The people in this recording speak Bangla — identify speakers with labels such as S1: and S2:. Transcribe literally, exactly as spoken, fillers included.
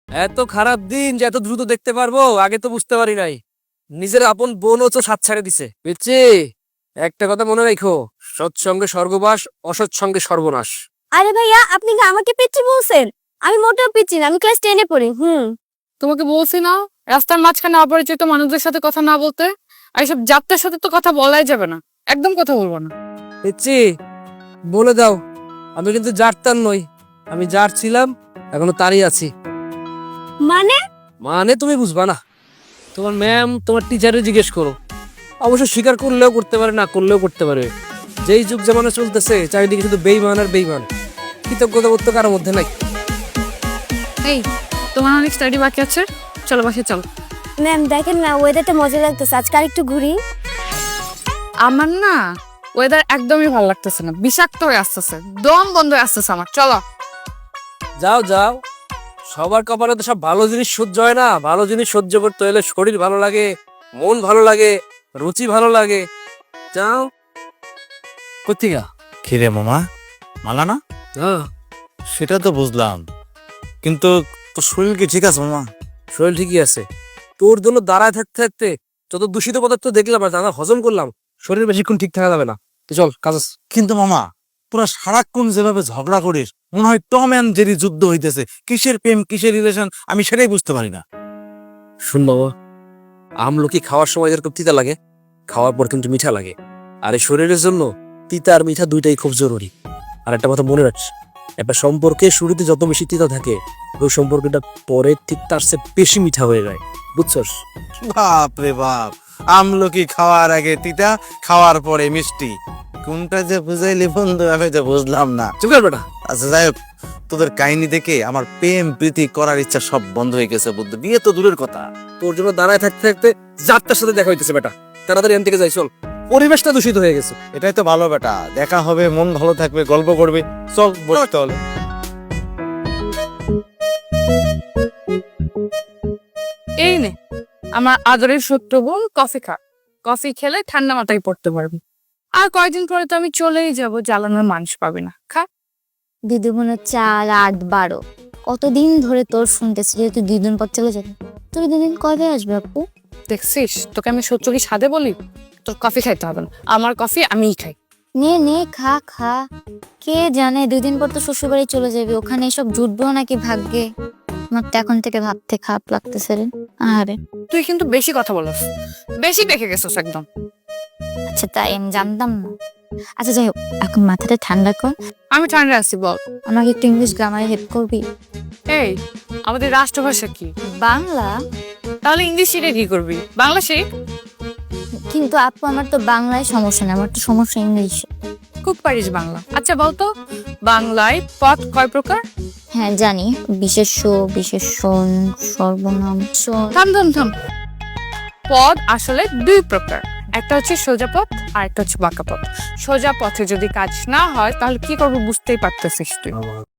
S1: এত খারাপ দিন যে এত দ্রুত দেখতে পারবো আগে তো বুঝতে পারি নাই। নিজের আপন বোনও তো সাত ছেড়ে দিছে। পিচ্ছি, একটা কথা মনে রাখো, সৎসঙ্গে স্বর্গবাস, অসৎসঙ্গে সর্বনাশ।
S2: আরে ভাইয়া, আপনি কি আমাকে পিচ্ছি বলছেন? আমি মোটেও পিচ্ছি না, আমি ক্লাস টেনে পড়ি। হুম
S3: তোমাকে বলছি না রাস্তার মাঝখানে অপরিচিত মানুষদের সাথে কথা না বলতে। আর এইসব যাত্রার সাথে তো কথা বলাই যাবে না, একদম কথা বলবো না।
S1: পিচ্ছি, বলে দাও, আমি কিন্তু যার তার নই। আমি যার ছিলাম এখনো তারই আছি।
S2: মানে?
S1: মানে তুমি বুঝবা না। তোমার ম্যাম তোমার টিচারে জিজ্ঞেস করো, অবশ্য স্বীকার করলেও করতে পারে, না করলেও করতে পারে। যেই যুগ জামানা চলতেছে, চারিদিকে শুধু বেইমান আর বেইমান। কৃতজ্ঞতা বোধ তো কারোর মধ্যে নাই।
S3: এই, তোমার অনেক স্টাডি বাকি আছে, চলো বাসে চলো।
S2: ম্যাম দেখেন না, ওয়েদারটা মজা লাগতেছে, আজকে আর একটু ঘুরি।
S3: আমার না ওয়েদার একদমই ভালো লাগতেছে না, বিষাক্ত হয়ে আসতেছে, দম বন্ধ হয়ে আসতেছে আমার। চলো
S1: যাও যাও, সবার কপালে তো সব ভালো জিনিস সহ্য হয় না। ভালো জিনিস সহ্য করতে হলে শরীর ভালো লাগে, মন ভালো লাগে, রুচি ভালো লাগে। যাও। কোথেকে?
S4: খিরে মামা, মালা না?
S1: হ্যাঁ,
S4: সেটা তো বুঝলাম, কিন্তু তোর শরীর কি ঠিক আছে মামা?
S1: শরীর ঠিকই আছে। তোর জন্য দাঁড়ায় থাকতে থাকতে যত দূষিত পদার্থ দেখলাম আর দাদা হজম করলাম, শরীর বেশিক্ষণ ঠিক থাকা যাবে না। তুই চল কাজ আছে।
S4: কিন্তু মামা, পুরা সারাক্ষণ যেভাবে ঝগড়া করিস, মনে হয় টম অ্যান্ড জেরি যুদ্ধ হইতেছে। কিসের প্রেম কিসের রিলেশন আমি সেটাই বুঝতে পারি না।
S1: শুন বাবা, আমলকি খাওয়ার সময় যেরকম তিতা লাগে, খাওয়ার পর কিন্তু মিঠা লাগে। আর এই শরীরের জন্য তিতা আর মিঠা দুইটাই খুব জরুরি। আর একটা কথা মনে রাখিস, একটা সম্পর্কে শুরুতে যত বেশি তিতা থাকে, ওই সম্পর্কটা পরে ঠিক তার চেয়ে বেশি মিঠা হয়ে যায়। বুঝছস?
S4: বাপ রে বাপ, আমলকি খাওয়ার আগে তিতা, খাওয়ার পরে মিষ্টি। কোনটা যে বুঝাইলি বন্ধু আমি তো বুঝলাম না।
S1: চুপ কর বেটা।
S4: আচ্ছা যাই হোক, তোদের কাহিনী দেখে আমার প্রেম প্রীতি করার ইচ্ছা সব বন্ধ হয়ে গেছে বুদ্ধ। বিয়ে তো দূরের কথা।
S1: তোর জন্য দাঁড়ায় থাকতে থাকতে যাত্রার সাথে দেখা হইতেছে বেটা। তাড়াতাড়ি এখান থেকে যাই, চল। পরিবেশটা দূষিত হয়ে গেছে।
S4: এটাই তো ভালো বেটা, দেখা হবে, মন ভালো থাকবে, গল্প করবে। চল বসতে হলে।
S3: এই নে আমার আদরের সত্য বোন, কফি খা। কফি খেলে ঠান্ডা মাথায় পড়তে পারবি। আর কয়েকদিন পরে তো আমি চলেই যাব, জ্বালানোর মানুষ পাবি না। খা।
S2: দিদি মনে চার আট বারো কতদিন ধরে তোর শুনতেছি যে তুই দুই দিন পর চলে যাবি। তুই দুদিন কবে আসবে আপু?
S3: দেখছিস, তোকে আমি সত্য কি সাদে বলি? তোর কফি খাইতে হবে না, আমার কফি আমিই খাই।
S2: নে নে খা খা। কে জানে দুই দিন পর তো শ্বশুর বাড়ি চলে যাবি, ওখানে এসব জুটবো নাকি ভাগ্যে। আমার তো এখন থেকে ভাবতে খারাপ লাগতেছে রে। আরে
S3: তুই কিন্তু বেশি কথা বলস, বেশি দেখে গেছিস একদম।
S2: আচ্ছা, তাই আমি জানতাম না। আচ্ছা যাই হোক, এখন মাথাটা ঠান্ডা কর।
S3: আমি ঠান্ডা আছি, বল।
S2: আমাকে একটু ইংলিশ গ্রামারে হেল্প করবি?
S3: এই, আমাদের রাষ্ট্রভাষা কি?
S2: বাংলা।
S3: তাহলে ইংলিশ শিখে কি করবি? বাংলা শিখ।
S2: কিন্তু আপু আমার তো বাংলায় সমস্যা না, আমার তো সমস্যা ইংলিশে।
S3: খুব পারিস বাংলা। আচ্ছা বলতো, বাংলায় পদ কয় প্রকার?
S2: হ্যাঁ জানি, বিশেষ্য, বিশেষণ, সর্বনাম। স-
S3: থাম থাম থাম। পদ আসলে দুই প্রকার, একটা হচ্ছে সোজা পথ আর একটা হচ্ছে বাঁকা পথ। সোজা পথে যদি কাজ না হয় তাহলে কি করবো বুঝতেই পারতেছিস তুই।